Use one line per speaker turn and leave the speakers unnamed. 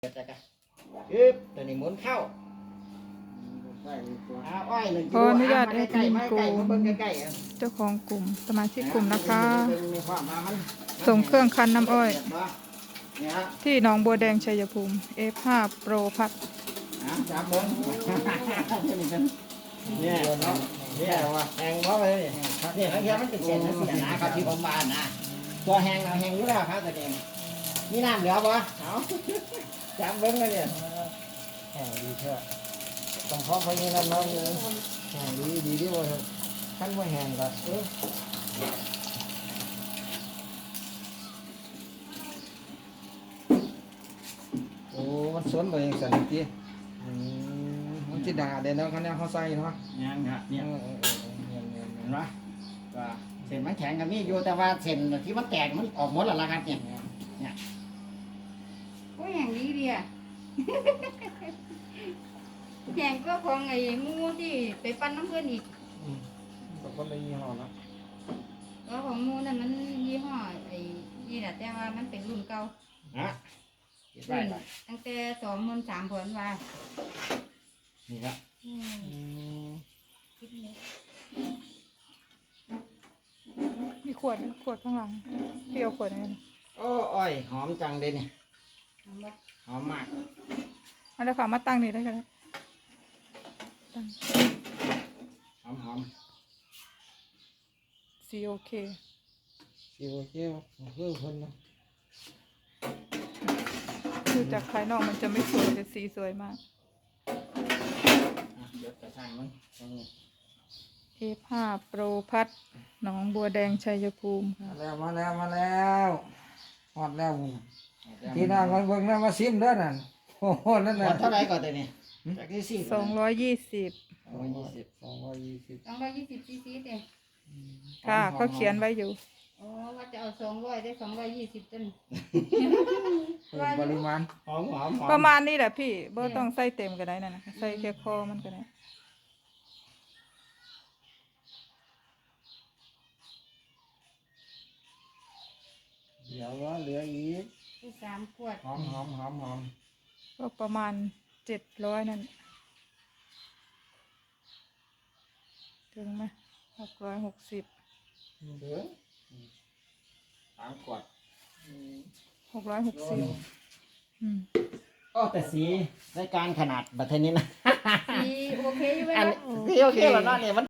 จะกันอึ๊บตัวนี้หมุนเข้าอ้อย1 กิโล
ขออนุญาตแอดมินกลุ่ม
มาเบิ่งใกล้
เจ้าของกลุ่มสมาชิกกลุ่มนะคะ
มีความมามัน
ส่งเครื่องคั้นน้ำอ้อย
เนี่ยฮะ
ที่หนองบัวแดงชัยภูมิ F5 Pro พัด
จับเบิ่งเนี่ยเนี่ยว่าแหงเพราะอะไรเนี่ยบางทีมันเป็นเศษนั่นสินะครับที่ผมมานะตัวแหงเราแหงอยู่แล้วครับตัวเองมีน้ำเหลือปะเอาจับเบิ่งเลยเนี่ยแหงดีเถอะต้องพร้อมไปนี่นั่นน้องเลยแหงดีดีว่าขั้นว่าแหงก็โอ้มันสวนไปอย่างสันติมันจะด่าเดี๋ยวน้องเขาเนี่ยเขาใส่เนาะยังครับเนี่ยเห็นไหมว่าเส้นมันแข็งกับมีอยู่แต่ว่าเส้นที่มันแตกมันออกหมดแล้วล่ะครับเนี่ย
โอ้ยอย่างนี้ดีอ่ะ แข่งก็ของไอ้หมูที่ไปปั้นน้ำเพื่อนอีก
ตกคนละยี่ห้อเนาะ
ก็ของหมูนั่นมันยี่ห้อไอ้นี่แหละแต่ว่ามันเป็นรุ่นเก่า
ฮะ
รุ่นตั้งแต่23,000ผลว่า
นี่ครับ
มีขวดข้างหลังพี่เอาขวดนี้
โอ้อ้อยหอมจังเลยเนี่ย
เอาบ่
หอมมาก
เอาเลยค่ะมาตั้งนี่ได้กันตั้ง
หอม
COK
สิโอเคคือคนเนาะ
คือจากภายนอกมันจะไม่สวยแต่สีสวยมาก
เดี๋ยวกระช่างมันตรงนี้
F5 Pro พัดหนองบัวแดงชัยภูมิค่ะ
มาแล้วฮอดแล้วมึงที่นั่งคนเบิ่งนั่นมาซิมเด้อนั่นโอ้โหนั่น
หม
น่ะ
ดเท่าไหร่ก่อนตัวนี้จากที่สี่
220
220
220 cc เด้
ค่ะเขาเขียนไว้อยู่
อ๋อว่าจะเอา200ได้220ต้น
เพิ่มปริมาณ
หอม
ประมาณนี้แหละพี่บ่ต้องใส่เต็มก็ได้นั่นนะคะใส่แค่คอมันก็ได้
เดี๋ยวว่าเหลืออีก
คือ3 ขวด
หอม
ก็ประมาณ700นั่นถึงไหม660
เหลือ3 ขวด
660
โอ้แต่สีรายการขนาดบัตรเทนนี้นะ
สีโอเคอยู่ไหม
อัน
ล่ะ
ที่โอเคแล้วเนาะเนี่ยมัน